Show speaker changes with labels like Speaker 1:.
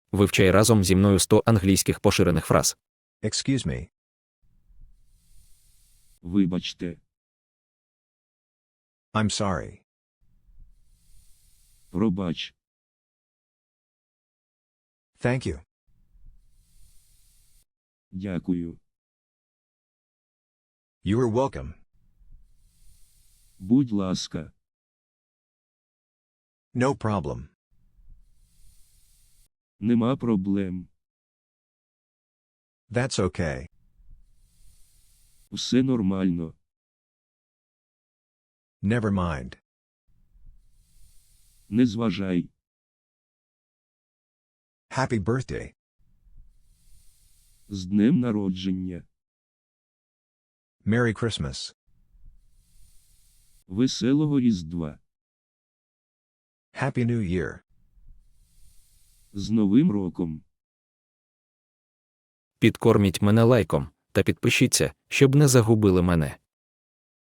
Speaker 1: Вивчай разом зі мною 100 англійських поширених фраз.
Speaker 2: Excuse me.
Speaker 3: Вибачте.
Speaker 2: I'm sorry.
Speaker 3: Пробач.
Speaker 2: Thank you.
Speaker 3: Дякую.
Speaker 2: You are welcome.
Speaker 3: Будь ласка.
Speaker 2: No problem.
Speaker 3: Нема проблем.
Speaker 2: That's okay.
Speaker 3: Все нормально.
Speaker 2: Never mind.
Speaker 3: Не зважай.
Speaker 2: Happy birthday.
Speaker 3: З днем народження.
Speaker 2: Merry Christmas.
Speaker 3: Веселого Різдва.
Speaker 2: Happy New Year.
Speaker 3: З Новим роком.
Speaker 1: Підкорміть мене лайком та підпишіться, щоб не загубили мене.